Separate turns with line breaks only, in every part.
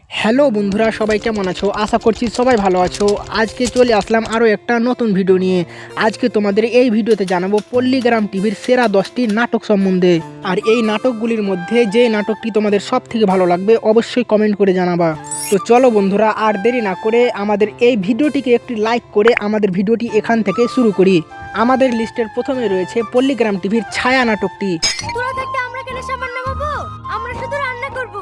Hello বন্ধুরা, সবাই কেমন আছো? আশা করছি সবাই ভালো আছো। আজকে চলে আসলাম আরও একটা নতুন ভিডিও নিয়ে। আজকে তোমাদের এই ভিডিওতে জানাবো পল্লীগ্রাম টিভির সেরা 10টি নাটক সম্বন্ধে। আর এই নাটকগুলির মধ্যে যে নাটকটি তোমাদের সব থেকে ভালো লাগবে অবশ্যই কমেন্ট করে জানাবা। তো চলো বন্ধুরা, আর দেরি না করে আমাদের এই ভিডিওটিকে একটি লাইক করে আমাদের ভিডিওটি এখান থেকে শুরু করি। আমাদের লিস্টের প্রথমে রয়েছে পল্লীগ্রাম টিভির ছায়া নাটকটি।
তোরা থাকতে আমরা কেন সাবান নামাবো? আমরা শুধু রান্না করবো।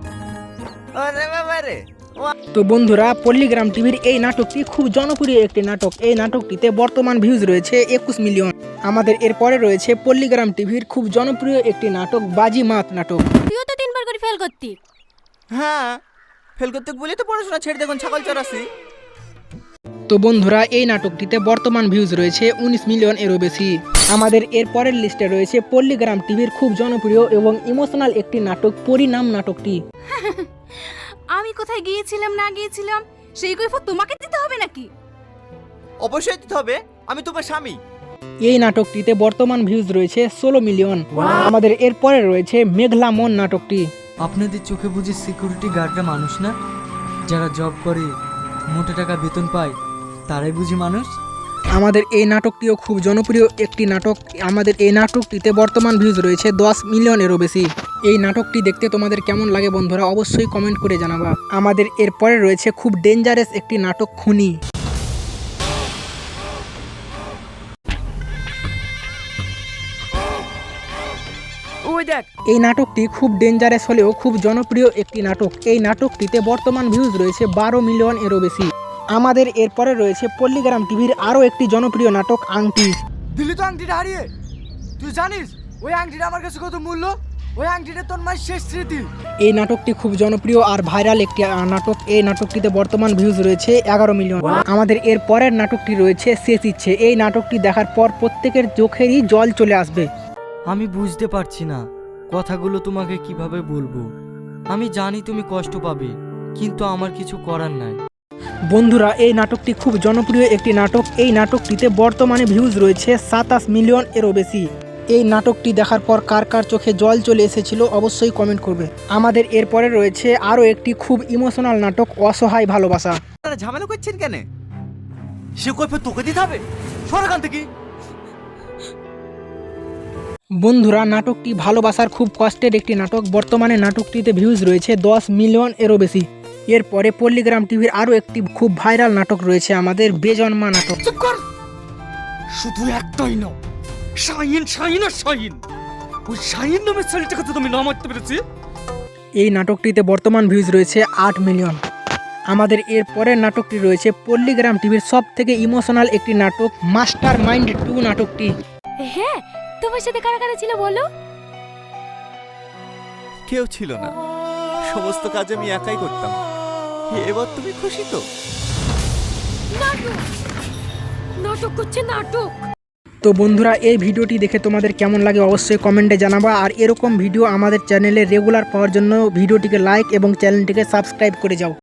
তো বন্ধুরা, পল্লীগ্রাম টিভির এই নাটকটি খুব জনপ্রিয় একটি নাটক। এই নাটকটিতে বর্তমান ভিউজ রয়েছে 21 মিলিয়ন। আমাদের এরপরে রয়েছে পল্লীগ্রাম টিভির খুব জনপ্রিয় একটি নাটক বাজিমাত নাটক।
তুইও তো 3বার করে ফেল করতি।
হ্যাঁ, ফেল করতে বলে তো পড়াশোনা ছেড়ে দেখুন ছাগল চড়াছি।
তো বন্ধুরা, এই নাটকটিতে বর্তমান ভিউজ রয়েছে 19 মিলিয়ন এরও বেশি। আমাদের এরপরের লিস্টে রয়েছে পল্লীগ্রাম টিভির খুব জনপ্রিয় এবং ইমোশনাল একটি নাটক পরিণাম নাটকটি।
আমি কোথায় গিয়েছিলাম না গিয়েছিলাম সেই কৈফিয়ত তোমাকে দিতে হবে নাকি?
অবশ্যই দিতে হবে, আমি তোমার স্বামী।
এই নাটকটিতে বর্তমান ভিউজ রয়েছে 16 মিলিয়ন। আমাদের এরপরে রয়েছে মেঘলা মন নাটকটি।
আপনাদের চোখে বুঝি সিকিউরিটি গার্ডরা মানুষ না? যারা জব করে মোটা টাকা বেতন পায় তারাই বুঝি মানুষ?
আমাদের এই নাটকটিও খুব জনপ্রিয় একটি নাটক। আমাদের এই নাটকটিতে বর্তমান ভিউজ রয়েছে 10 মিলিয়নেরও বেশি। এই নাটকটি দেখতে তোমাদের কেমন লাগে বন্ধুরা অবশ্যই কমেন্ট করে জানাবা। আমাদের এরপরে রয়েছে খুব ডেঞ্জারাস একটি নাটক খুনি।
ওই দেখ,
এই নাটকটি খুব ডেঞ্জারাস হলেও খুব জনপ্রিয় একটি নাটক। এই নাটকটিতে বর্তমান ভিউজ রয়েছে 12 মিলিয়ন এরও বেশি। আমাদের এরপরে রয়েছে পল্লীগ্রাম টিভির আরও একটি জনপ্রিয় নাটক আংটি।
দিল্লি তো আংটিটা হারিয়ে, তুই জানিস ওই আংটিটা আমার কাছে কত মূল্য? ওই আংটিটা তোর মায়ের শেষ স্মৃতি।
এই নাটকটি খুব জনপ্রিয় আর ভাইরাল একটি নাটক। এই নাটকটিতে বর্তমান ভিউজ রয়েছে 11 মিলিয়ন। আমাদের এর পরের নাটকটি রয়েছে শেষ ইচ্ছে। এই নাটকটি দেখার পর প্রত্যেকের চোখেরই জল চলে আসবে।
আমি বুঝতে পারছি না কথাগুলো তোমাকে কিভাবে বলবো। আমি জানি তুমি কষ্ট পাবে, কিন্তু আমার কিছু করার নাই।
বন্ধুরা, এই নাটকটি খুব জনপ্রিয় একটি নাটক। এই নাটকটিতে বর্তমানে ভিউজ রয়েছে 27 মিলিয়ন এরও বেশি। এই নাটকটি দেখার পর কার কার চোখে জল চলে এসেছিল অবশ্যই কমেন্ট করবে। আমাদের এরপরে রয়েছে আরও একটি খুব ইমোশনাল নাটক অসহায় ভালোবাসা।
আপনারা ঝামেলা করছেন কেন? সে কৈফিয়ত তোকে দিতে হবে, সর এখান থেকে।
বন্ধুরা, নাটকটি ভালোবাসার খুব কষ্টের একটি নাটক। বর্তমানে নাটকটিতে ভিউজ রয়েছে 10 মিলিয়ন এরও বেশি। এরপরে পল্লীগ্রাম টিভির আরও একটি খুব ভাইরাল নাটক রয়েছে আমাদের বেজন্মা নাটক।
চুপ কর, শুধু একটাই না, শাহিন শাহিন আর শাহিন। ওই শাহিন নামের ছেলেটাকে তো তুমি না মারতে পেরেছি।
এই নাটকটিতে বর্তমান ভিউজ রয়েছে 8 মিলিয়ন। আমাদের এর পরের নাটকটি রয়েছে পল্লীগ্রাম টিভির সব থেকে ইমোশনাল একটি নাটক মাস্টার মাইন্ড 2 নাটকটি।
হ্যাঁ, তোমার সাথে কারা কারা ছিল বলো?
কেউ ছিল না, সমস্ত কাজ আমি একাই করতাম। এবার তুমি খুশি তো?
নাটক নাটক করছে নাটক।
তো বন্ধুরা, এই ভিডিওটি দেখে তোমাদের কেমন লাগে অবশ্যই কমেন্টে জানাবা। আর এরকম ভিডিও আমাদের চ্যানেলে রেগুলার পাওয়ার জন্য ভিডিওটিকে লাইক এবং চ্যানেলটিকে সাবস্ক্রাইব করে যাও।